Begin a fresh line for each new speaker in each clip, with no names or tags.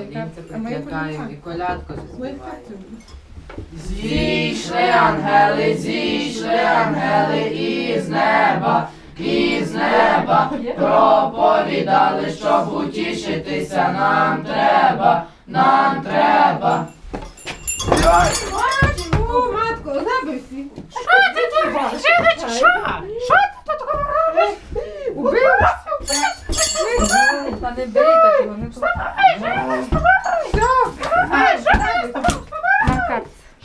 колінця прикладаємо і колядку заспіваємо.
Зійшли ангели із неба, проповідали, щоб утішитися нам треба.
Матко, забився.
Що ти тут робиш? Що ти тут робиш?
Убився?
Та не бий такого, не
Все.
Макар.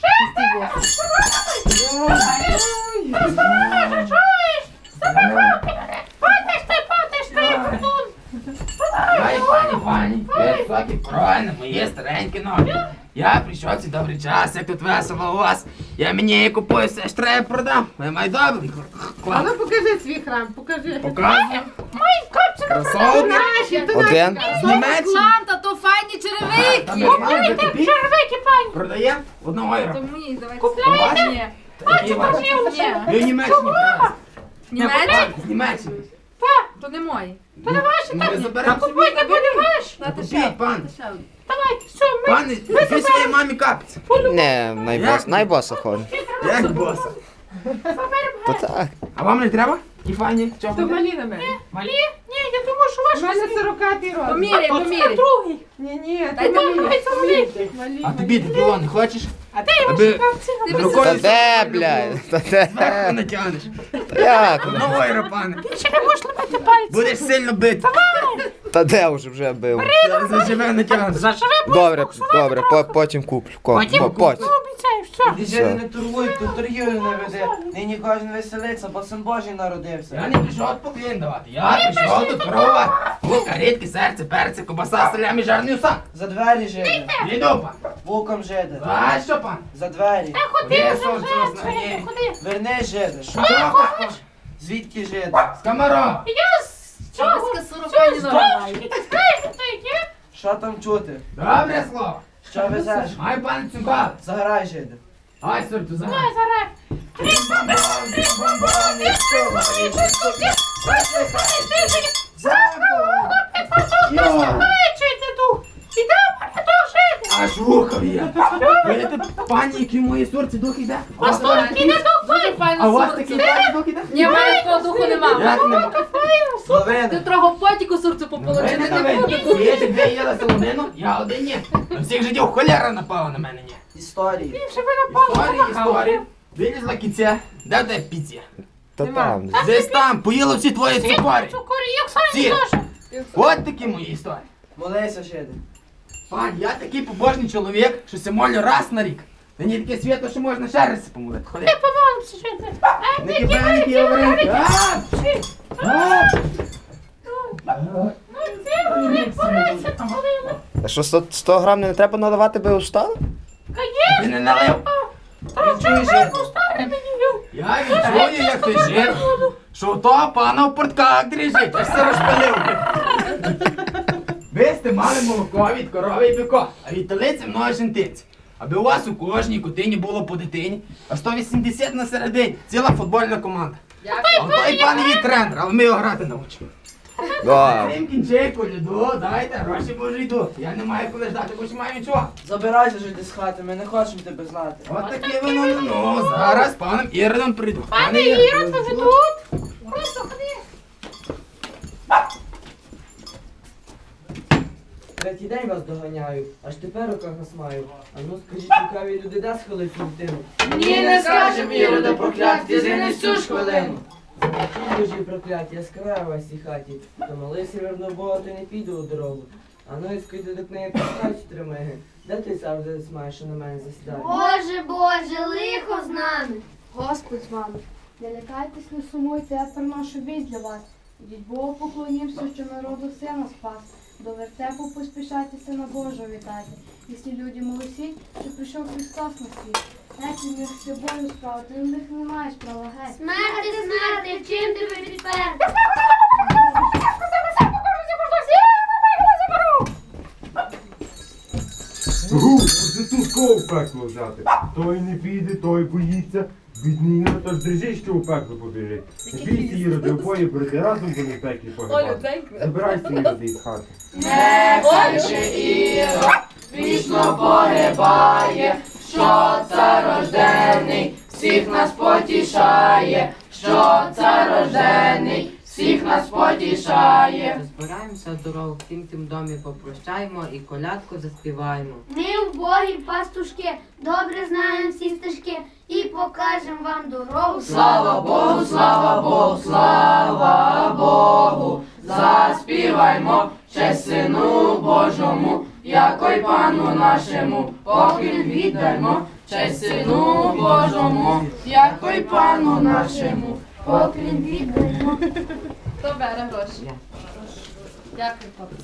Потиш ти, Антон.
Ой, пані, високі, правильно, мої старенькі ноги. Я прийшов цей добрий час, як тут весело у вас. Я мені купую все, що треба продам. Ви май добрий.
А ну покажи свій храм, покажи.
Показуємо.
Мої капці
Красавці.
Наші, то
Один.
наші.
З Німеччини.
Клан, то файні черевики.
Купуйте
червики, пані.
Продаємо? 1 євро.
То мені, давайте.
Купляєте?
Ні.
Такі ваші.
Ні.
Ви в Німеччині привезли.
Німеччина?
З Німеччини.
То не мої.
То не ваші,
Ну, ви
так?
заберемо собі.
Купуйте, будеш?
Купіть, пане.
Давайте, все, ми
Пане, ви своїй мамі капці.
Не, найбоса ходить.
Як боса?
То так.
А вам не треба? Ті файні? Чого?
То малі на мене.
малі? Ні, я думаю, що
У
ваш
мене 40-й рок.
Поміряй,
Це
поміряй.
другий.
Ні,
Дай
то малі.
Давай, це великий.
Малі,
А тобі диплом не хочеш?
А де ваші
Аби
капці?
Та
рукою
де, блядь? Та
зверху
де?
натягнеш.
Та як?
1 євро, пане.
Ще не можеш ломити пальці.
Будеш сильно бити.
Та де вже бив?
Зараз заживе натягнеш.
Заживе,
Добре, потім куплю. Потім.
обіцяю, все.
Діжини не торгують, тут торгівлю не веде. Нині кожен веселиться, бо син Божий
Я
народився.
не прийшов поклін давати. Я прийшов тут торгувати. Лука, рідки, серце, перце, кобаса, салямі, жарний усак.
За двері жиди,
Іду, пан.
вулком жиди.
За що, пан?
За двері.
Ходи
Є,
вже,
сонце
вже,
вас нагріє.
ходи.
Верни жиди.
Що хочеш?
Звідки жиди?
З комарова.
Я з цього,
Сорока
здовжки, ти знаєш, що це є?
Що там чути?
Добре слово.
Що везеш?
Май пан цюкал.
Заграй жиди.
Ай, сорту, за.
Давай, зараз. Чуєте дух? Іде мене дух жити.
Аж вухов є. Видите, пані, які мої сорці дух іде?
А стільки не дух
Дуже
файно.
файно
А у вас
сорці.
такий пані дух іде?
Ні, в мене такого духу нема.
Як нема?
Ти
Словени.
трохи потіку сорцю
Ви
пополочити
не
не
навинні.
буду.
Є дві їли солонину, я один ні. На всіх жидів холера напала на мене, ні.
Історії.
Історії. Вилізла кіця. Де в тебе піця?
Та там.
Десь там, поїли всі твої цукорі.
Цукорі, як самі
Всі.
теж.
От такі мої історії.
Молися жиди.
Пан, я такий побожний чоловік, що се молю раз на рік. Мені таке свято, що можна ще раз помолити. Ходи.
Помолимося жити.
Не кипай, не говори.
А що 100 грам не треба надавати, би устали?
Ти не налив.
Відчуй жиди.
Я відчую, як ти жив, що у того пана в портках дріжить, аж все розпалив. Ви сте мали молоко від корови і біко, а від телиці мною жентиці. Аби у вас у кожній котині було по дитині, а 180 на середині, ціла футбольна команда. А той пан є тренер, але ми його грати навчимо.
Да.
Крім кінчейку, льоду, дайте, гроші боже йдуть. Я не маю коли ждати, бо ще маю нічого.
Забирайся жиди з хати, ми не хочемо тебе знати.
От таке воно, ну, зараз з паном Іродом прийду.
Пане Ірод, ви вже тут? Просто ходи.
Третій день вас доганяю, аж тепер руках нас маю. А ну скажіть, цікаві люди, де схилить цю дитину?
Ні, не скажем, Ірода прокляття, згинь цю ж хвилину.
Ті Божі прокляття, яскрава в цій хаті. То молився верно Бога, то й не піду у дорогу. А ну і скажи до книги пускають тримиги. Де ти завжди маєш, що на мене засідає?
Боже, Боже, лихо з нами.
Господь з вами. Не лякайтесь, не сумуйте, я приношу вість для вас. Ідіть Богу поклонімся, що народу сина спас. До вертепу поспішайте, сина Божого вітайте. І всі люди молосіть, що прийшов Христос на світ. Геть міг з собою справу, ти в них не маєш права геть.
Смерти, смерти, чим тебе підпер?
Гу, тут кого в пекло взяти. Той не піде, той боїться, Бідний Ірод, аж дрижить, що у пекло побіжить. Не бійся, Іроди, обоє брати, разом будемо в пеклі
Олю,
погибати.
дай.
Забирайся, Іроди, із хати.
Нехай же Ірод вічно погибає, що цар рождений всіх нас потішає, що цар рождений всіх нас потішає.
Збираємося в дорогу, всім тим домі попрощаємо і колядку заспіваємо.
Ми вбогі пастушки, добре знаємо всі стежки і покажемо вам дорогу.
Слава Богу, слава Богу, слава Богу, заспіваймо честь Сину Божому, яко й Пану нашому, поклін віддаймо, честь Сину Божому, яко й Пану нашому, поклін віддаймо.
Хто бере гроші? Дякую, папа.